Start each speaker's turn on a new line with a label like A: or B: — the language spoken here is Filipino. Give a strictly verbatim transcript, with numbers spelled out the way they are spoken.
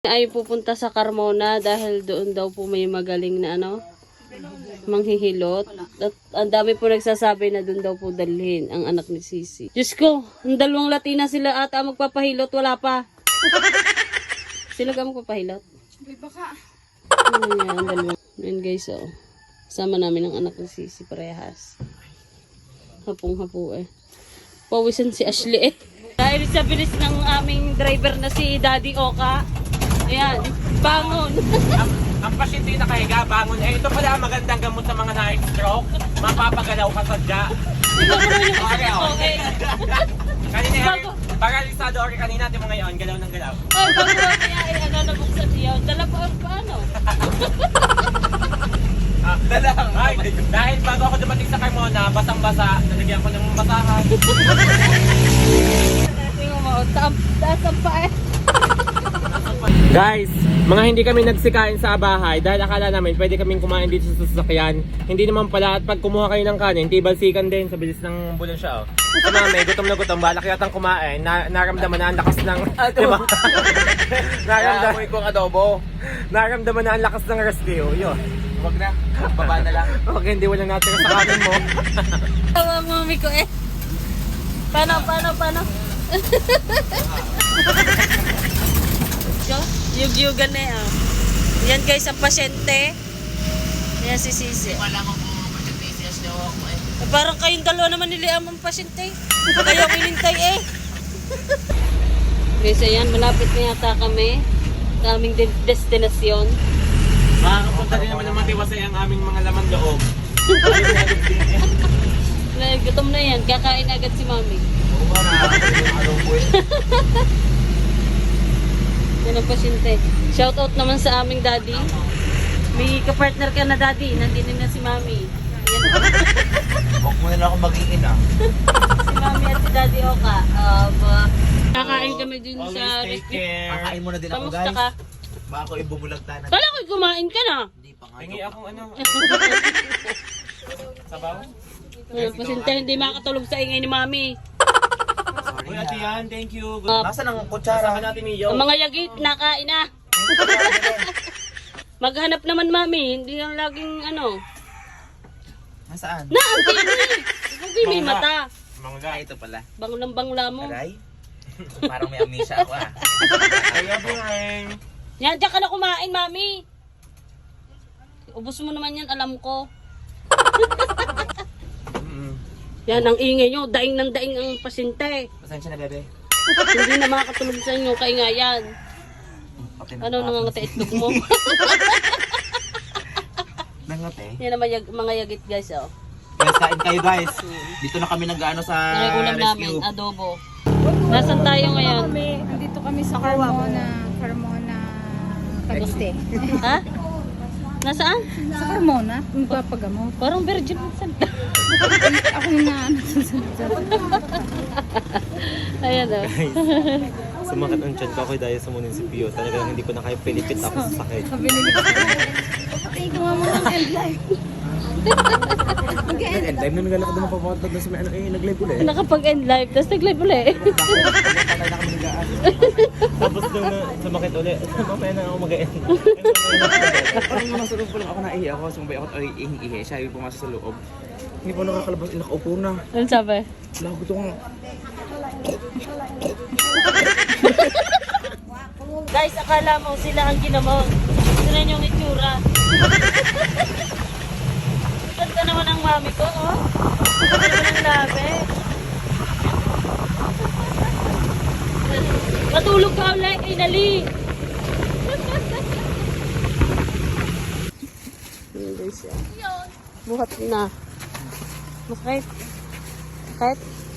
A: Ay pupunta sa Carmona dahil doon daw po may magaling na ano, manghihilot. At ang dami po nagsasabi na doon daw po dalhin ang anak ni Sisi. Diyos ko, ang dalawang Latina sila ata magpapahilot, wala pa. Sila ka magpapahilot?
B: Ay, baka.
A: Ano yan, ang dalawang. Ayan guys, oh. Kasama namin ang anak ni Sisi, parehas. Hapong-hapo eh. Pawisan si Ashley eh. Dahil sa bilis ng aming driver na si Daddy Oka. Ayan, bangon.
C: ang, ang pasyente yung nakahiga, bangon. Eh, ito pala ang magandang gamot sa mga night stroke. Mapapagalaw ka sadya.
A: Ikaw mo naman yung
C: Okay, oh.
A: okay.
C: Kanina,
A: Bago.
C: paralisado okay kanina, natin mo ngayon, galaw ng galaw.
A: Ay, bago kaya ay ano nabuksan niya. Dala pa ang paano?
C: Ah, dalang. Ay, dahil bago ako dumating sa Carmona, basang-basa, nalagyan ko ng basahan.
A: Tingnan mo, taas taas ang pa eh.
C: Guys, mga hindi kami nagsikain sa bahay dahil akala namin pwede kaming kumain dito sa sasakyan. Hindi naman pala, at pag kumuha kayo ng kanin, tibalsikan din sa bilis ng bulon siya. Oh. Si mami, gutom na gutom, balak yatang kumain, na, naramdaman na ang lakas ng, diba? naramdaman ko adobo. Naramdaman na ang lakas ng rescue, yun. Huwag na, baba na lang. Huwag hindi, walang natira sa kanin mo.
A: Tawa mami ko eh. Paano, paano, paano? Yug-yugan na eh. Oh. Yan guys, ang pasyente. Yan si Sisi.
B: Wala mo kung pasyente siyas daw ako eh.
A: Eh, parang kayong dalawa naman niliam ang pasyente. Kayo minintay eh. Guys, ayan, malapit na yata kami sa aming de destinasyon.
C: Makakapunta din naman ng matiwasay ang aming mga laman loob.
A: Gutom na yan, kakain agad si mami. Yan ang pasyente. Shout out naman sa aming daddy. May kapartner ka na daddy, nandito na si mami. Yan.
D: Huwag mo na lang akong mag-iin ah.
A: Si mami at si daddy Oka. Um, uh, kakain kami dun sa
C: Always take
A: restaurant.
C: care.
D: Kakain muna din ako
A: Kamusta
D: guys.
A: ka?
D: Baka ako ibubulagtanan.
A: Kala ko'y kumain ka na.
D: Hindi pa nga.
C: Hingi akong ano. Sabaw?
A: Yan, pasyente hindi makatulog sa ingay ni mami.
C: Uy, ate yan, thank you.
A: Uh,
D: Nasaan ang
C: Sasaka
D: kutsara?
C: natin ni Yo.
A: ang mga yagit, nakain na. Maghanap naman mami, hindi lang laging ano.
D: Nasaan?
A: Na, ang tini! Hindi may mata.
C: Mga
D: Ah, ito pala.
A: Banglang bangla mo.
D: Aray? Parang may amnesia ako ah.
C: Kaya Bing.
A: Yan, diyan ka na kumain, mami. Ubus mo naman yan, alam ko. Yan, ang ingay nyo. Daing ng daing ang pasyente.
D: Pasensya na bebe.
A: Hindi na makakatulog sa inyo, kaingayan.
D: Okay na.
A: Ano nangangati itlog mo?
D: Nangote.
A: Yan ang mga, mga yagit, guys, oh.
D: Guys, kain kayo guys. Dito na kami nag-ano sa
A: Nakulam namin,
D: rescue.
A: adobo. Nasaan tayo ngayon?
B: Kami, andito kami sa Carmona, Carmona, Cavite.
A: Ha? Nasaan?
B: Sa Carmona, magpapagamot.
A: Parang virgin minsan.
B: Ako yung na,
A: Ayan, oh.
C: Sumakat ang tiyan ko ako dahil sa munisipyo. Talagang hindi ko na kaya pilipit ako sa sakit.
B: sabi nila. Patay ko nga mo ng end life.
D: And time na naglalakad naman papatag na sa may ano eh, nag-live ulit.
A: Nakapag-end live, tapos nag-live ulit.
D: Patay na kami nag-aan.
C: Tapos nung na, sumakit ulit, mamaya na ako mag-end.
D: Parang naman sa loob pa lang ako naihi ako. Sumbay ako ay ihi-ihi. Siya yung pumasok sa loob. Hindi pa nakakalabas. Nakaupo na.
A: Ano sabi?
D: Lagot ko nga.
A: Guys, akala mo sila ang ginamot. Sila yung itsura. Ganda naman ang mami ko, oh. Ganda naman ang labi. Matulog ka ulit, kay Nali. Yun guys, yan. Buhat na. Masakit. Sakit.